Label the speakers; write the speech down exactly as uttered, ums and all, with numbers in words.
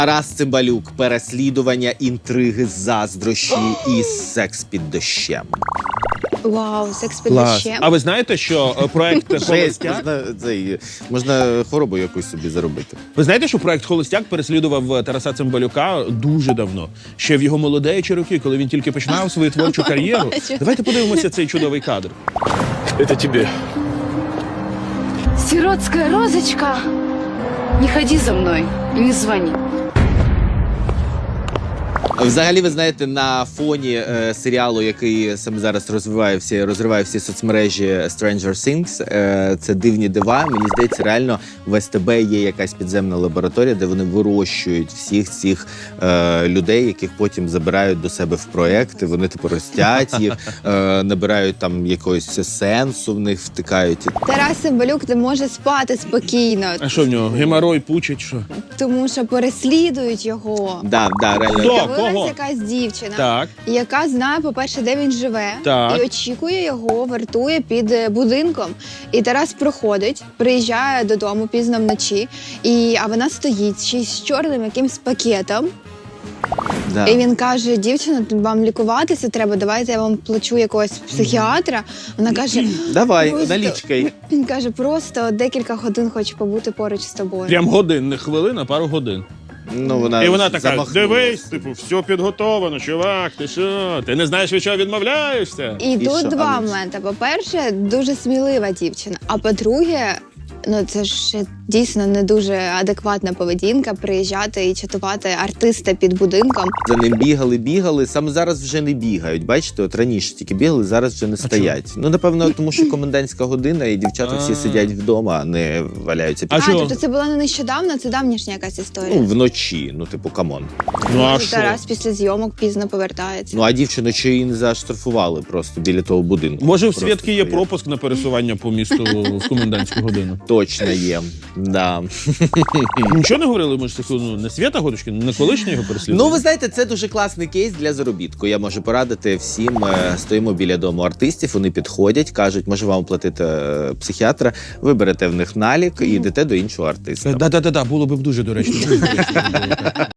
Speaker 1: Тарас Цимбалюк, переслідування, інтриги, заздрощі і секс під дощем.
Speaker 2: Вау, секс під
Speaker 3: Клас.
Speaker 2: дощем.
Speaker 3: А ви знаєте, що е, проект
Speaker 1: Жесть,
Speaker 3: «Холостяк»?
Speaker 1: можна, цей, можна хворобу якусь собі заробити.
Speaker 3: Ви знаєте, що проект «Холостяк» переслідував Тараса Цимбалюка дуже давно. Ще в його молодечі роки, коли він тільки починав свою творчу кар'єру.
Speaker 2: Бачу.
Speaker 3: Давайте подивимося цей чудовий кадр.
Speaker 4: Это тебе.
Speaker 5: Сиротская розочка, не ходи за мной и не звони.
Speaker 1: Взагалі, ви знаєте, на фоні е, серіалу, який саме зараз розвиває всі, розриває всі соцмережі Stranger Things, е, це «Дивні дива». Мені здається, реально в ес те бе є якась підземна лабораторія, де вони вирощують всіх цих е, людей, яких потім забирають до себе в проекти. Вони типу ростять їх, е, набирають там якогось сенсу в них, втикають.
Speaker 2: Тарас Цимбалюк не може спати спокійно,
Speaker 3: А що в нього? Геморой пучить, що?
Speaker 2: тому що переслідують його.
Speaker 1: Да, да, реально.
Speaker 3: Хто?
Speaker 2: З'явилась
Speaker 3: Кого?
Speaker 2: якась дівчина,
Speaker 3: Так.
Speaker 2: яка знає, по-перше, де він живе,
Speaker 3: Так.
Speaker 2: і очікує його, вартує під е, будинком. І Тарас проходить, приїжджає додому пізно вночі, і, а вона стоїть ще й з чорним якимсь пакетом.
Speaker 1: Да.
Speaker 2: І він каже: дівчина, вам лікуватися треба, давайте я вам плачу якогось психіатра. Вона каже,
Speaker 1: Давай,
Speaker 2: просто-
Speaker 1: налічкай.
Speaker 2: Він каже, просто декілька годин хочу побути поруч з тобою.
Speaker 3: Прям годин, не хвилин, а пару годин.
Speaker 1: Ну, вона
Speaker 3: І вона така,
Speaker 1: замахнулась.
Speaker 3: дивись, типу, все підготовлено, чувак, ти що? Ти не знаєш, від чого відмовляєшся?
Speaker 2: І,
Speaker 1: І
Speaker 2: тут
Speaker 1: що,
Speaker 2: два
Speaker 1: Аліс?
Speaker 2: моменти. По-перше, дуже смілива дівчина. А по-друге, ну це ж дійсно не дуже адекватна поведінка приїжджати і чатувати артиста під будинком.
Speaker 1: За ним бігали, бігали. Саме зараз вже не бігають. Бачите, от раніше тільки бігали, зараз вже не стоять. Ну, напевно, тому що комендантська година, і дівчата всі
Speaker 3: А.
Speaker 1: сидять вдома, а не валяються під.
Speaker 3: А чого?
Speaker 2: тобто це було не нещодавно, це давнішня якась історія.
Speaker 1: Ну, вночі, ну, типу, камон.
Speaker 3: Ну а
Speaker 2: Може,
Speaker 3: що?
Speaker 2: Тарас після зйомок пізно повертається.
Speaker 1: Ну, а дівчину чи її не заштрафували просто біля того будинку.
Speaker 3: Може, в
Speaker 1: Просто
Speaker 3: Свідки є
Speaker 1: стоять.
Speaker 3: пропуск на пересування по місту в комендантську годину?
Speaker 1: Точно є. Да.
Speaker 3: Нічого не говорили, ми ж таку, ну, не Свята Годочкін, не колишня його переслідування?
Speaker 1: Ну, ви знаєте, це дуже класний кейс для заробітку. Я можу порадити всім. Е, Стоїмо біля дому артистів, вони підходять, кажуть, може вам платити е, психіатра, ви берете в них налік і йдете до іншого артиста.
Speaker 3: Да-да-да, було б дуже доречно.